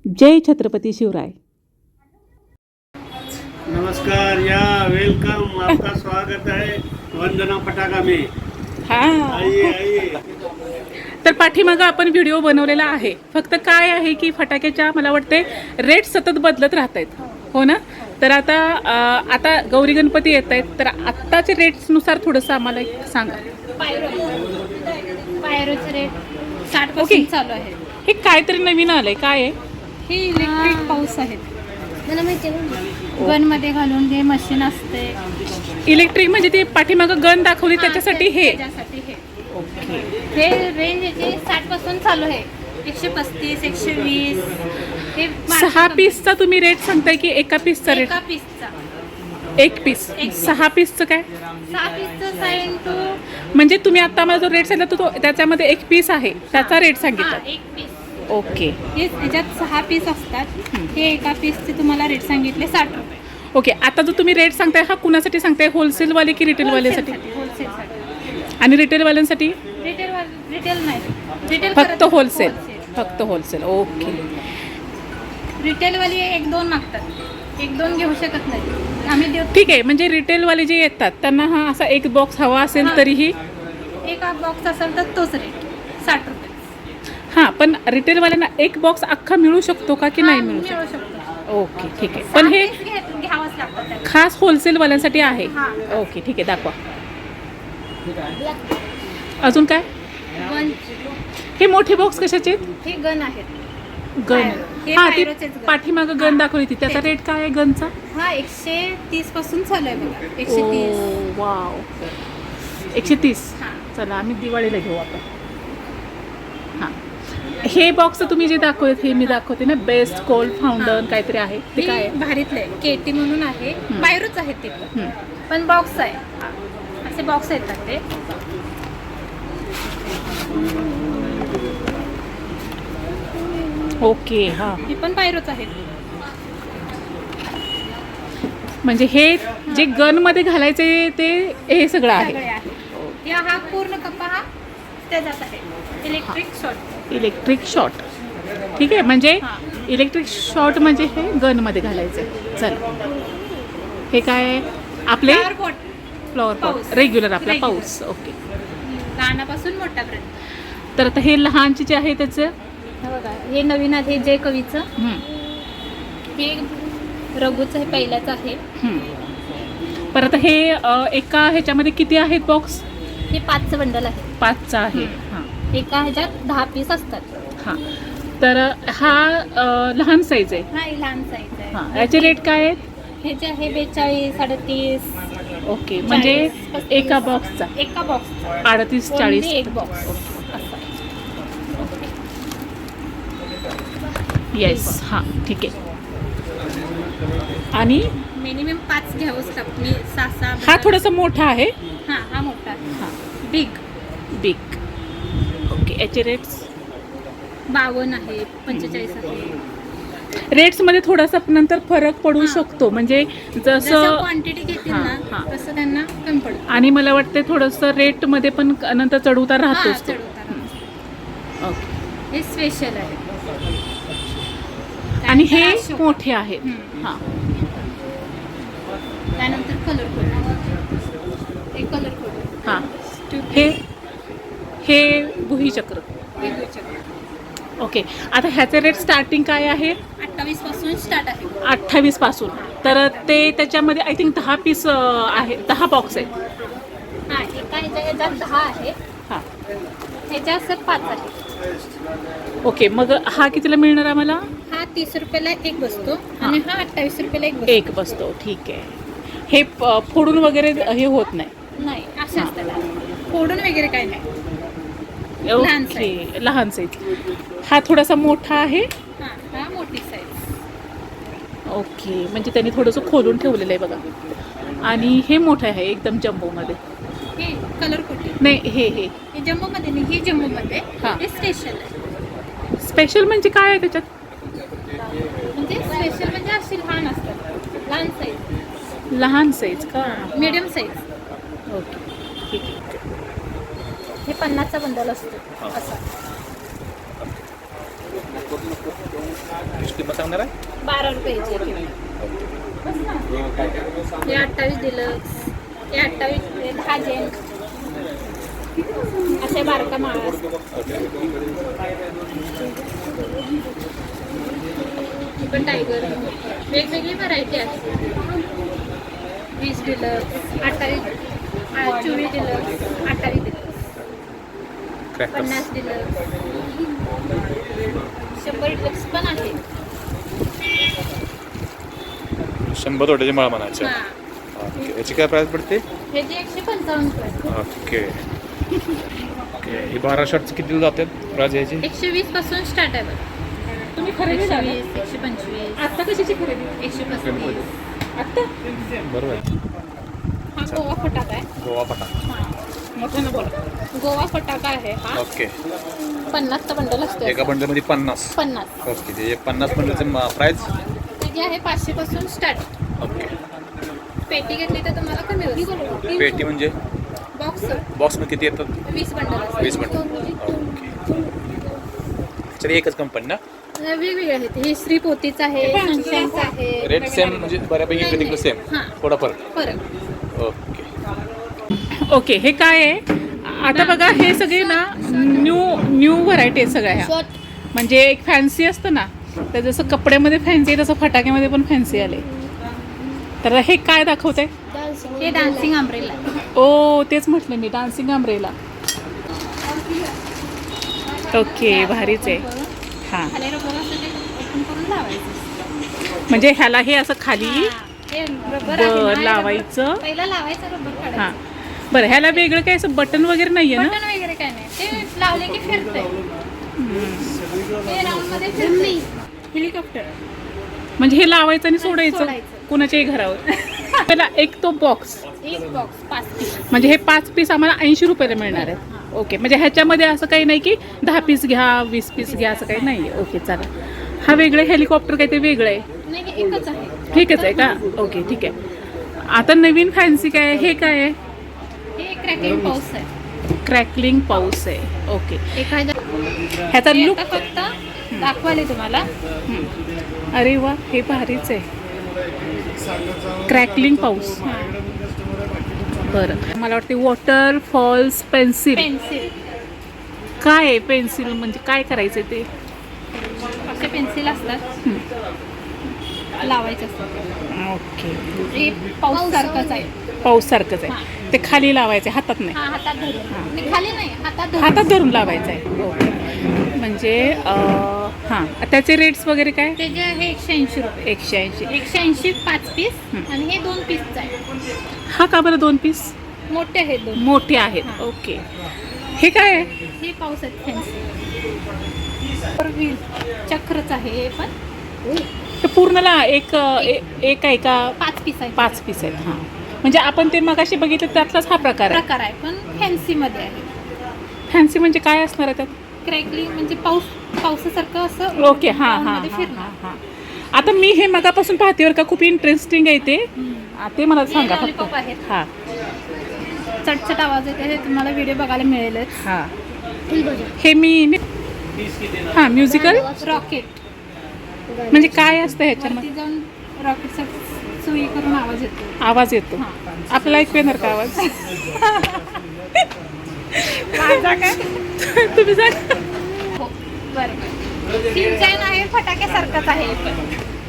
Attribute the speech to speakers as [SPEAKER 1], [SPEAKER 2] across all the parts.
[SPEAKER 1] जय छत्रपति शिवराय।
[SPEAKER 2] नमस्कार या वेलकम, आपका स्वागत है वंदना पटाखा में।
[SPEAKER 1] हाँ,
[SPEAKER 2] आइए आइए।
[SPEAKER 1] तर पाठीमागं आपण व्हिडिओ बनवलेला आहे. फक्त काय आहे की फटाक्याच्या मला वाटते रेट सतत बदलत राहत आहेत, हो ना. तर आता गौरी गणपती येत आहेत, तर आत्ताचे रेट्सनुसार थोडंसं आम्हाला एक सांगा.
[SPEAKER 3] पायरोचे रेट 60
[SPEAKER 1] ओके.
[SPEAKER 3] पासून चालू आहे.
[SPEAKER 1] हे काहीतरी नवीन आलंय, काय आहे?
[SPEAKER 3] हे इलेक्ट्रिक पाऊस आहेत. गन मध्ये घालून हे मशीन असते.
[SPEAKER 1] इलेक्ट्रिक म्हणजे ते पाठीमागं गन दाखवली त्याच्यासाठी हे.
[SPEAKER 3] त्याच्यासाठी हे रेंज याची 60 पासून चालू आहे. 135 120 हे
[SPEAKER 1] 6 पीसचा तुम्ही रेट सांगताय की एका पीसचा रेट?
[SPEAKER 3] एका पीसचा.
[SPEAKER 1] एक पीस. 6 पीसचं काय?
[SPEAKER 3] 6 पीसचं 7
[SPEAKER 1] म्हणजे तुम्ही आता मला जो रेट सांगितला तो त्याच्यामध्ये एक पीस आहे, त्याचा रेट सांगितला.
[SPEAKER 3] एक पीस.
[SPEAKER 1] ओके
[SPEAKER 3] हे याच्यात 6 पीस असतात. हे एका पीसचे तुम्हाला रेट सांगितले 60 रुपये.
[SPEAKER 1] ओके. आता जो तुम्ही रेट सांगताय हा कुणासाठी सांगताय, होलसेलवाले की रिटेलवाल्यासाठी?
[SPEAKER 3] होलसेलसाठी.
[SPEAKER 1] आणि रिटेलवाल्यांसाठी
[SPEAKER 3] रिटेल नाही. रिटेल
[SPEAKER 1] फक्त होलसेल. फक्त होलसेल. ओके.
[SPEAKER 3] रिटेलवाली 1-2 मागतात. 1-2 घेऊ शकत नाही आम्ही देऊ.
[SPEAKER 1] ठीक आहे. म्हणजे रिटेलवाले जे येतात त्यांना हा असा एक बॉक्स हवा असेल तरीही
[SPEAKER 3] एक बॉक्स असेल तर तोच रेट 60 रुपये.
[SPEAKER 1] हां, पण रिटेलवाल्यांना एक बॉक्स अख्खा मिळू शकतो का की नाही मिळू
[SPEAKER 3] मिळू
[SPEAKER 1] शकतो?
[SPEAKER 3] शकतो.
[SPEAKER 1] ओके, ठीक आहे. पण हे
[SPEAKER 3] घ्यावंच लागतं त्याला.
[SPEAKER 1] खास होलसेलवाल्यांसाठी आहे.
[SPEAKER 3] हां.
[SPEAKER 1] ओके, ठीक आहे. दाखवा. अजून काय?
[SPEAKER 3] गन.
[SPEAKER 1] हे मोठे बॉक्स कशाचे?
[SPEAKER 3] हे गन आहेत.
[SPEAKER 1] गन.
[SPEAKER 3] हे
[SPEAKER 1] हां, ती
[SPEAKER 3] पायरोचेच गन.
[SPEAKER 1] पाठीमागं गन दाखवली ती. त्याचा रेट काय आहे गनचा?
[SPEAKER 3] हा 130 पासून चालू आहे बघा. 130.
[SPEAKER 1] वाव. 130.
[SPEAKER 3] हां.
[SPEAKER 1] चला आम्ही दिवाळीला घेऊ आता. हां, हे बॉक्स तुम्ही जे दाखवत हे मी दाखवते ना, बेस्ट कोल्ड फाउंडन काहीतरी आहे ते काय आहे?
[SPEAKER 3] भारीतलं आहे. केटी म्हणून आहे. बाहेरच आहेत ते
[SPEAKER 1] हं.
[SPEAKER 3] पण बॉक्स आहे. असे बॉक्स येतात ते.
[SPEAKER 1] ओके. हां,
[SPEAKER 3] हे पण बाहेरच आहेत.
[SPEAKER 1] म्हणजे हे जे गनमध्ये घालायचे ते हे सगळं आहे.
[SPEAKER 3] सगळे आहे. हा पूर्ण कप्पा हा त्याच्यात आहे. Electric short.
[SPEAKER 1] Electric shot. ठीक आहे. म्हणजे
[SPEAKER 3] हां.
[SPEAKER 1] इलेक्ट्रिक शॉट म्हणजे हे गनमध्ये घालायचे. चल, हे काय आहे? आपले
[SPEAKER 3] फ्लॉवर पॉट.
[SPEAKER 1] फ्लॉवर पॉट
[SPEAKER 3] पाऊस.
[SPEAKER 1] रेग्युलर आपला
[SPEAKER 3] Regular.
[SPEAKER 1] पाऊस. ओके.
[SPEAKER 3] लहानापासून मोठ्यापर्यंत.
[SPEAKER 1] तर आता हे लहानचे जे आहे त्याचं
[SPEAKER 3] हे बघा, हे नवीन आहे जय कवीचं.
[SPEAKER 1] हं,
[SPEAKER 3] हे रघुचं हे पहिल्याचं आहे.
[SPEAKER 1] हं. परत हे एका ह्याच्यामध्ये किती आहेत बॉक्स?
[SPEAKER 3] हे 5चं बंडल आहे.
[SPEAKER 1] 5चा आहे. हां,
[SPEAKER 3] एका ह्याच्यात 10 पीस असतात.
[SPEAKER 1] हां. तर हा लहान साईज आहे.
[SPEAKER 3] हा हे लहान साईज आहे.
[SPEAKER 1] हां, याचे रेट काय आहेत?
[SPEAKER 3] हे जे आहे 42 38.
[SPEAKER 1] ओके. म्हणजे
[SPEAKER 3] 40,
[SPEAKER 1] एका बॉक्सचा
[SPEAKER 3] एका बॉक्स
[SPEAKER 1] 38-40.
[SPEAKER 3] एक बॉक्स.
[SPEAKER 1] येस. हां, ठीक आहे. आणि
[SPEAKER 3] मिनिमम 5 घ्यावंच लागतं. मी 6
[SPEAKER 1] हा थोडासा मोठा आहे.
[SPEAKER 3] हा मोठा आहे.
[SPEAKER 1] हां,
[SPEAKER 3] बिग
[SPEAKER 1] बिग. ओके. याचे रेट्स
[SPEAKER 3] 52 आहे 45 आहे.
[SPEAKER 1] रेट्समध्ये थोडासा नंतर फरक पडू
[SPEAKER 3] हां.
[SPEAKER 1] शकतो. म्हणजे
[SPEAKER 3] जसं
[SPEAKER 1] जसं
[SPEAKER 3] क्वांटिटी घेतील
[SPEAKER 1] हां,
[SPEAKER 3] ना
[SPEAKER 1] हां.
[SPEAKER 3] तसं त्यांना कमी पडतं.
[SPEAKER 1] आणि मला वाटते थोडंसं रेटमध्ये पण नंतर चढउतार राहतोच तो.
[SPEAKER 3] चढ-उतार.
[SPEAKER 1] ओके.
[SPEAKER 3] हे स्पेशल आहे.
[SPEAKER 1] आणि हे
[SPEAKER 3] त्यानंतर अशोका.
[SPEAKER 1] मोठे आहेत.
[SPEAKER 3] हं.
[SPEAKER 1] हां,
[SPEAKER 3] त्यानंतर कलर कोड. हे कलर कोड.
[SPEAKER 1] हां. हे भुईचक्र. ओके. आता ह्याचे रेट स्टार्टिंग काय आहे?
[SPEAKER 3] 28 पासून स्टार्ट आहे.
[SPEAKER 1] 28 पासून. तर ते त्याच्यामध्ये आय थिंक 10 पीस आहे, 10 बॉक्स आहेत.
[SPEAKER 3] हा एका ह्याच्यात 10 आहे.
[SPEAKER 1] हां,
[SPEAKER 3] ह्याच्यात 5 आहे.
[SPEAKER 1] ओके. मग हा कितीला मिळणार आम्हाला?
[SPEAKER 3] हा 30 रुपयाला एक बसतो
[SPEAKER 1] हां.
[SPEAKER 3] आणि हा 28 रुपयाला एक बसतो.
[SPEAKER 1] एक बसतो. ठीक आहे. हे फोडून वगैरे हे होत नाही.
[SPEAKER 3] नाही असे असतात. फोडून वगैरे काय नाही. लहान
[SPEAKER 1] ओके. लहान साईज. हा थोडासा मोठा आहे.
[SPEAKER 3] हा मोठी साईज.
[SPEAKER 1] ओके. म्हणजे त्यांनी थोडंसं खोलून ठेवलेलं आहे बघा. आणि हे मोठं आहे एकदम जम्बोमध्ये.
[SPEAKER 3] हे कलर कोटी.
[SPEAKER 1] नाही, हे
[SPEAKER 3] जम्बोमध्ये नाही. हे जम्बोमध्ये.
[SPEAKER 1] हां.
[SPEAKER 3] हे स्पेशल आहे.
[SPEAKER 1] स्पेशल म्हणजे काय आहे त्याच्यात?
[SPEAKER 3] म्हणजे स्पेशल म्हणजे अशी लहान असतात. लहान साईज.
[SPEAKER 1] लहान साईज का?
[SPEAKER 3] Medium size.
[SPEAKER 1] ओके, ठीक आहे.
[SPEAKER 3] हे 50चा बंडल असतो असा.
[SPEAKER 4] किंमत सांगणार आहे
[SPEAKER 3] 12 रुपयाची हे 28 डिलक्स, हे 28, हे 10 जेंट असे बारका माळ पण टायगर वेगवेगळी व्हरायटी आहे. 20 deluxe, 28, 24 deluxe, 28 deluxe, 50 deluxe, 100 deluxe पण आहे.
[SPEAKER 4] 100 तोट्याची माळ म्हणायचे.
[SPEAKER 3] हां,
[SPEAKER 4] ओके, याची काय प्राईस पडते?
[SPEAKER 3] हे जे 155 रुपये.
[SPEAKER 4] ओके ओके, ही 12 शर्टचं किती जातात प्राईस याची?
[SPEAKER 3] 120 पासून स्टार्ट आहे बघा.
[SPEAKER 1] तुम्ही खरेदी
[SPEAKER 3] 120, 125,
[SPEAKER 1] आता कशाची खरेदी
[SPEAKER 3] 135.
[SPEAKER 1] आता
[SPEAKER 4] बरोबर आहे.
[SPEAKER 3] हा गोवा फटाका आहे.
[SPEAKER 4] गोवा पटा.
[SPEAKER 1] मोठ्यानं बोला.
[SPEAKER 3] गोवा फटाका आहे हा.
[SPEAKER 4] ओके,
[SPEAKER 3] 50चा बंडल असतो
[SPEAKER 4] एका
[SPEAKER 3] याचा.
[SPEAKER 4] बंडलमध्ये 50.
[SPEAKER 3] 50
[SPEAKER 4] ओके, ते 50 बंडलचं प्राईस.
[SPEAKER 3] त्याची आहे 500 पासून स्टार्ट.
[SPEAKER 4] ओके,
[SPEAKER 3] पेटी घेतली तर तुम्हाला कमी होईल.
[SPEAKER 4] पेटी म्हणजे
[SPEAKER 3] बॉक्स
[SPEAKER 4] बॉक्समध्ये किती येतात?
[SPEAKER 3] 20 बंडल असतात.
[SPEAKER 4] 20 बंडल. ओके, ह्याच्यात एकच कंपनी ना?
[SPEAKER 3] वेगवेगळे आहेत. हे श्री पोतीचं आहे, सनशाईनचं आहे.
[SPEAKER 4] रेट सेम म्हणजे बऱ्यापैकी इकडे तिकडे सेम,
[SPEAKER 3] हां.
[SPEAKER 4] थोडा फरक.
[SPEAKER 3] फरक
[SPEAKER 4] ओके,
[SPEAKER 1] ओके. हे काय आहे आता बघा, हे सगळे ना न्यू व्हरायटी आहे सगळ्या ह्या.
[SPEAKER 3] शॉर्ट
[SPEAKER 1] म्हणजे एक फॅन्सी असतं ना, तर जसं कपड्यामध्ये फॅन्सी आहे तसं फटाक्यामध्ये पण फॅन्सी आले. तर हे काय दाखवत आहे?
[SPEAKER 3] हे डान्सिंग अम्ब्रेला.
[SPEAKER 1] ओ, तेच म्हटलं मी, डान्सिंग अम्ब्रेला. ओके, भारीच आहे. हां,
[SPEAKER 3] खाली रबर असतं ते ओपन करून लावायचं.
[SPEAKER 1] म्हणजे ह्याला हे असं खाली
[SPEAKER 3] हे रबर आहे ना, हे
[SPEAKER 1] लावायचं.
[SPEAKER 3] रबर. पहिला लावायचं, रबर
[SPEAKER 1] हां,
[SPEAKER 3] काढायचं.
[SPEAKER 1] बरं. ह्याला वेगळं काय असं बटन वगैरे नाही आहे ना?
[SPEAKER 3] बटन वगैरे काय नाही, ते लावले की फिरतंय. हे राऊंड मध्ये फिरते. हेलिकॉप्टर
[SPEAKER 1] म्हणजे हे लावायचं आणि सोडायचं
[SPEAKER 3] सोडायचं.
[SPEAKER 1] कुणाच्याही घरावर. त्याला एक तो बॉक्स,
[SPEAKER 3] एक बॉक्स 5 पीस.
[SPEAKER 1] म्हणजे हे 5 पीस आम्हाला 80 रुपयाला मिळणार आहेत. ओके, म्हणजे ह्याच्यामध्ये असं काही नाही की 10 पीस घ्या, 20 पीस घ्या, असं काही नाही आहे. ओके, चला. हा वेगळं हेलिकॉप्टर काय ते वेगळं आहे?
[SPEAKER 3] नाही, हे एकच आहे.
[SPEAKER 1] ठीकच आहे का? ओके, ठीक आहे. आता नवीन फॅन्सी काय आहे? हे काय आहे?
[SPEAKER 3] हे क्रॅकिंग पाऊस आहे.
[SPEAKER 1] क्रॅकलिंग पाऊस आहे. ओके,
[SPEAKER 3] एखाद्या
[SPEAKER 1] ह्याचा
[SPEAKER 3] हे
[SPEAKER 1] लुक.
[SPEAKER 3] आता फक्त दाखवाले तुम्हाला.
[SPEAKER 1] अरे वा, हे भारीच आहे. क्रॅकलिंग पाऊस. बरं, मला वाटते वॉटरफॉल्स पेन्सिल.
[SPEAKER 3] पेन्सिल
[SPEAKER 1] काय आहे पेन्सिल म्हणजे काय करायचं ते?
[SPEAKER 3] असे पेन्सिल असतात, लावायचे असतात.
[SPEAKER 1] ओके,
[SPEAKER 3] हे पाऊस सारखंच आहे.
[SPEAKER 1] पाऊस सारखंच आहे. ते खाली लावायचे, हातात नाही.
[SPEAKER 3] हा, हातात धरून. नाही, खाली नाही, हातात धरून.
[SPEAKER 1] हातात धरून लावायचं आहे. ओके, म्हणजे हां, त्याचे रेट्स वगैरे काय?
[SPEAKER 3] त्याचे आहे 180 रुपये.
[SPEAKER 1] 180.
[SPEAKER 3] 180 5 पीस आणि हे 2 पीसचं आहे.
[SPEAKER 1] हा का बरं 2 पीस?
[SPEAKER 3] मोठे आहेत 2.
[SPEAKER 1] मोठे आहेत. ओके, हे काय आहे?
[SPEAKER 3] हे पाऊस आहेत फॅन्सी. व्हील चक्रच आहे हे पण.
[SPEAKER 1] ते पूर्णला एक आहे का?
[SPEAKER 3] 5 पीस आहे.
[SPEAKER 1] 5 पीस आहेत. हां, म्हणजे आपण ते मगाशी बघितलं त्यातलाच हा प्रकार आहे.
[SPEAKER 3] प्रकार आहे पण फॅन्सीमध्ये आहे.
[SPEAKER 1] फॅन्सी म्हणजे काय असणार आहे त्यात?
[SPEAKER 3] क्रॅकलिंग म्हणजे पावसासारखं असं.
[SPEAKER 1] ओके, हां हां
[SPEAKER 3] मध्ये
[SPEAKER 1] हां
[SPEAKER 3] फिरणार.
[SPEAKER 1] हां. आता मी हे मगापासून पाहते बरं का, खूप इंटरेस्टिंग आहे ते. ते मला सांगा फक्त.
[SPEAKER 3] लॉलीपॉप आहेत.
[SPEAKER 1] हां
[SPEAKER 3] चटचट आवाज येते, हे तुम्हाला व्हिडिओ बघायला मिळेलच.
[SPEAKER 1] हां, हे मी हां, म्युझिकल
[SPEAKER 3] रॉकेट
[SPEAKER 1] म्हणजे काय असतं ह्याच्यामध्ये?
[SPEAKER 3] वरती जाऊन रॉकेटचा सुई करून आवाज येतो.
[SPEAKER 1] आवाज येतो.
[SPEAKER 3] हां.
[SPEAKER 1] आपल्याला ऐकू येणार का आवाज?
[SPEAKER 3] माझा काय?
[SPEAKER 1] तुम्ही सांगा.
[SPEAKER 3] हो, बरं. डिझाईन आहे फटाक्यासारखंच आहे पण.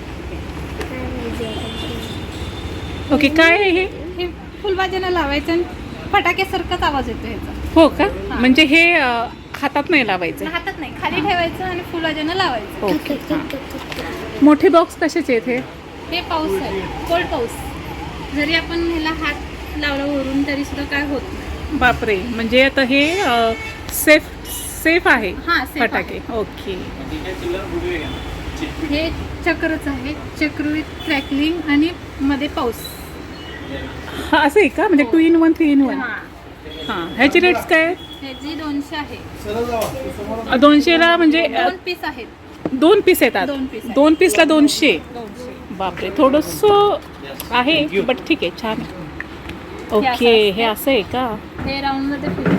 [SPEAKER 1] ओके, काय आहे हे?
[SPEAKER 3] हे फुलबाजीनं लावायचं आणि फटाक्यासारखाच आवाज येतो ह्याचा.
[SPEAKER 1] हो का? म्हणजे हे हातात नाही लावायचं.
[SPEAKER 3] हातात नाही, खाली ठेवायचं आणि फुलबाजीनं लावायचं.
[SPEAKER 1] ओके, हां. मोठे बॉक्स कशाचे आहेत हे?
[SPEAKER 3] हे पाऊस आहे, कोल्ड पाऊस. जरी आपण ह्याला हात लावला वरून तरी सुद्धा काय होत नाही.
[SPEAKER 1] बापरे, म्हणजे आता हे सेफ आहे
[SPEAKER 3] हां, safe
[SPEAKER 1] फटाके. ओके,
[SPEAKER 3] हे चक्रच आहे, चक्र विथ क्रॅकलिंग आणि मध्ये पाऊस.
[SPEAKER 1] हा असं आहे का? म्हणजे 2 in 1 3 in 1.
[SPEAKER 3] हां,
[SPEAKER 1] हां, ह्याची रेट्स काय आहेत?
[SPEAKER 3] ह्याची 200 आहे.
[SPEAKER 1] 200ला म्हणजे
[SPEAKER 3] 2 पीस आहेत.
[SPEAKER 1] 2 पीस येतात.
[SPEAKER 3] 2 पीस आहेत.
[SPEAKER 1] 2 पीसला 200.
[SPEAKER 3] 200.
[SPEAKER 1] बापरे, थोडंसं आहे बट ठीक आहे, छान आहे. ओके, हे असं आहे का?
[SPEAKER 3] हे राऊंड मध्ये फिरतं.